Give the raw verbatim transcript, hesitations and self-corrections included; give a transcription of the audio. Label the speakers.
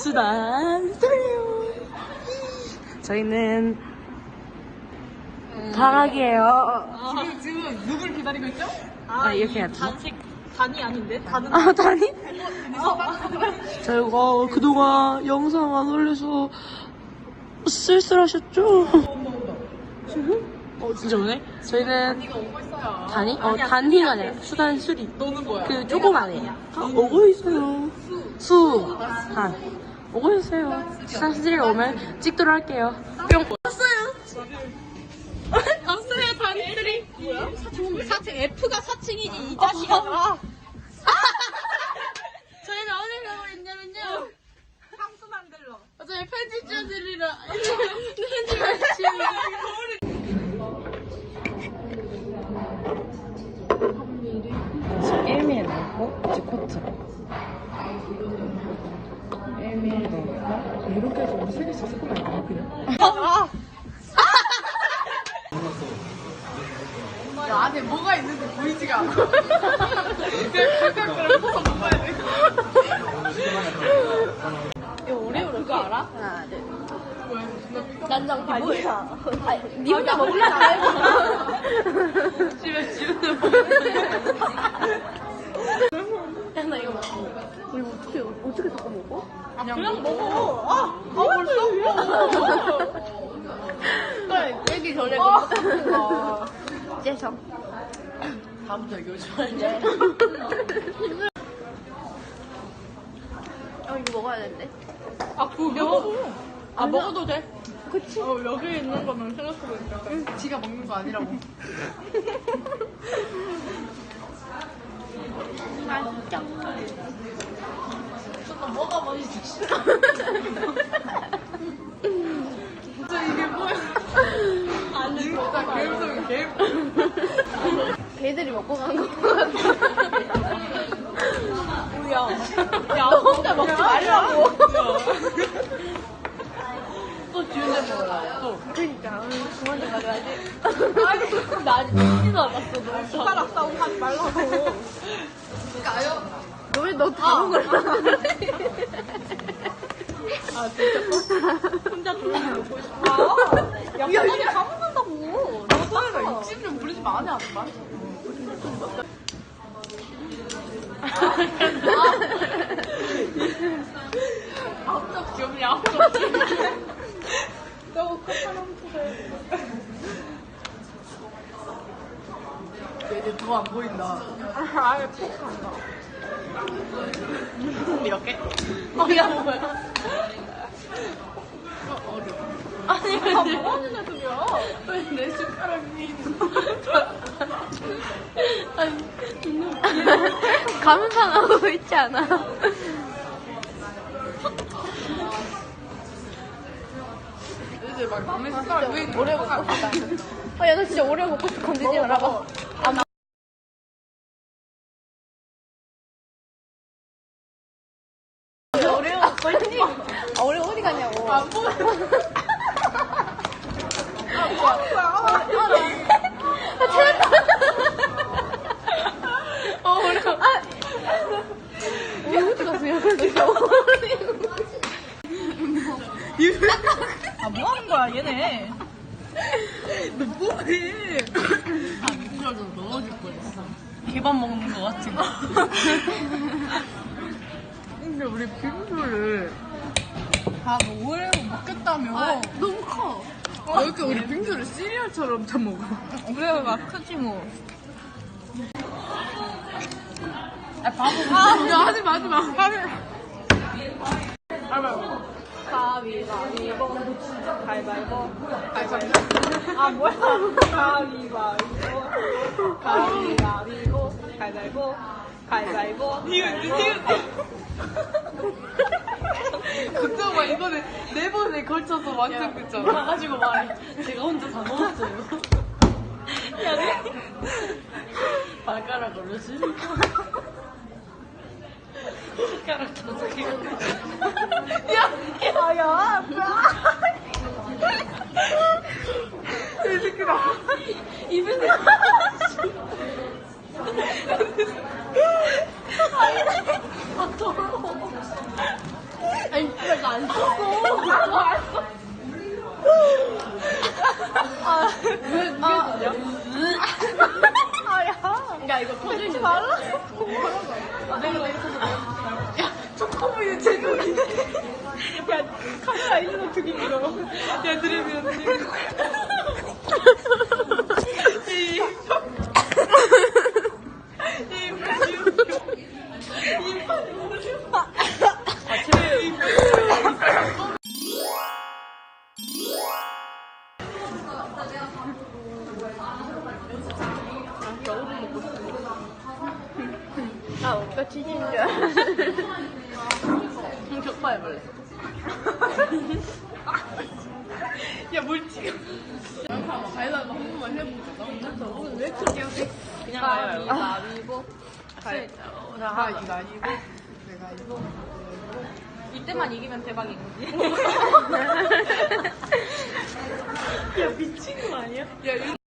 Speaker 1: 수단 스토리요. 저희는 방학이에요.
Speaker 2: 아, 지금, 지금 누굴 기다리고 있죠?
Speaker 1: 아, 이렇게 해야지.
Speaker 2: 단식, 단이 아닌데? 단은.
Speaker 1: 아, 다니? 저희가 그동안 영상 안 올려서 쓸쓸하셨죠? 어, 진짜 오네? 저희는
Speaker 2: 단이가 오고 있어요.
Speaker 1: 단이? 어, 단이가 아니라 수단 수리.
Speaker 2: 너는 뭐야?
Speaker 1: 그 조그만해. 아, 오고 있어요. 수. 단. 오고 있어요. 수단 수리 오면 찍도록 할게요. 뿅. 왔어요.
Speaker 2: 없어요, 단이들이. 뭐야? 사층, F가 사층이지, 이 자식아. 아.
Speaker 1: 저희는 어디 가고 있냐면요.
Speaker 2: 향수 만들러.
Speaker 1: 저희 편집자들이랑 편집을 일 밀리미터 넣고 이제 코트 일 밀리미터 넣고 이렇게 해서 우리 세 개씩 섞으면 안 돼, 그냥?
Speaker 2: 아.
Speaker 1: 야, 안에 뭐가 있는지 보이지가 않아. 그냥 각각을 퍼서 먹어야 돼.
Speaker 2: 이거 오레오 그거 알아?
Speaker 1: 하나, 둘.
Speaker 2: 난장 발이야.
Speaker 1: 아, 니 혼자 먹으려고 집에 집에
Speaker 2: 나 이거 먹어.
Speaker 1: 우리 어떻게 어떻게 섞어 먹어?
Speaker 2: 아, 그냥 먹어. 아, 아 벌써? 그래, 깨기 전에 먹어.
Speaker 1: 째성. 다음부터 이거 좋아해. 어, 이거 먹어야 되는데.
Speaker 2: 아, 그거 먹어. 아, 먹어도 돼?
Speaker 1: 그치?
Speaker 2: 어, 여기 있는 거면 생각해보니까.
Speaker 1: 응, 지가 먹는 거 아니라고. 맛있죠?
Speaker 2: 너 뭐가 맛있어? 진짜 이게 뭐야? 아니, 진짜 개음성이 개.
Speaker 1: 걔들이 먹고 간 거 같아.
Speaker 2: 뭐야? 야, 너 혼자 먹지 말라고. 또 지훈이 먹으라. 또.
Speaker 1: 그러니까 오늘 그만 좀 가져야지.
Speaker 2: 아니, 나 아직 먹지도 않았어. 너 숟가락 싸움 하지 말라고. 가요?
Speaker 1: 너 왜 너 다 먹으라?
Speaker 2: 아, 진짜? 혼자 조용히 먹고 싶어. 야, 야, 이게 다 먹는다고.
Speaker 1: 너 소리가 욕심 좀 부리지 마, 안해, 안 마.
Speaker 2: 앞쪽 귀엽냐, 앞쪽 귀엽냐. 너무 커다란 포대.
Speaker 1: 얘들 더 안 보인다.
Speaker 2: 아, 아예 푹 간다.
Speaker 1: 이렇게? 어, 야, 뭐야.
Speaker 2: 어, 어려워.
Speaker 1: 아니,
Speaker 2: 아,
Speaker 1: 왜
Speaker 2: 뭐 하는 애들이야?
Speaker 1: 왜 내 숟가락이. 아니, 감탄하고 있지 않아?
Speaker 2: 이제 막 남의 숟가락 왜
Speaker 1: 오래 먹고 싶다. 아, 야, 나 진짜 오래 먹고 싶어. 건들지 말아봐. 아, 나. 오레오 어디? 아, 오레오 어디 갔냐고.
Speaker 2: 안 보여. 아, 뭐야.
Speaker 1: 아, 찾았다. 어, 오레오. 아, 오레오 어디 갔어? 야, 진짜
Speaker 2: 아, 뭐 하는 거야, 얘네.
Speaker 1: 너 뭐해? 아, 미끄러져 넘어질 뻔했어. 개밥 먹는 거 같은 거.
Speaker 2: 근데 우리 빙수를 다 뭐 오레오 먹겠다며.
Speaker 1: 아, 너무 커.
Speaker 2: 어, 이렇게 우리 빙수를 시리얼처럼 다 먹어. 오레오가 크지 뭐. 아, 바보. 아, 야, 하지 마, 하지 마. 하지 마. 가위바위보. 가위바위보. 가위바위보. 아, 뭐야. 가위바위보. 가위바위보. 가위바위보. 가위바위보. 니은, 니은.
Speaker 1: 걱정 마, 이번에 네 번에 걸쳐서 완성됐잖아.
Speaker 2: 가가지고 말해. 제가 혼자 다 먹었어요. 야, 네.
Speaker 1: 발가락으로 씹고. 숟가락 다섯 개.
Speaker 2: 야, 아, 야, 뭐야. 이 새끼다. 입에서.
Speaker 1: 아, 더러워. 아니,
Speaker 2: 안 썼어. 나도 안 써. 아, 왜, 왜 아, 야. 야, 이거 터지지 말라. 아, 내가 내가 터져. 야, 초코우유 제목이네. 야, 카메라 있는 거 되게 길어. 야, 들으면 안 돼. 이, 이, 판이 웃겨. 이 판이 웃겨. 아, 제일 아, 오빠 치즈인 줄 알았어. 격파 해볼래. 야, 뭘 지금. 가위바위보 한 번만 해보자. 나 오늘 왜 이렇게 귀엽게. 그냥 가위바위보. 가위바위보. 가위바위보. 가위바위보. 가위바위보. 이때만 이기면 대박인 거지. 야, 미친 거 아니야? 야,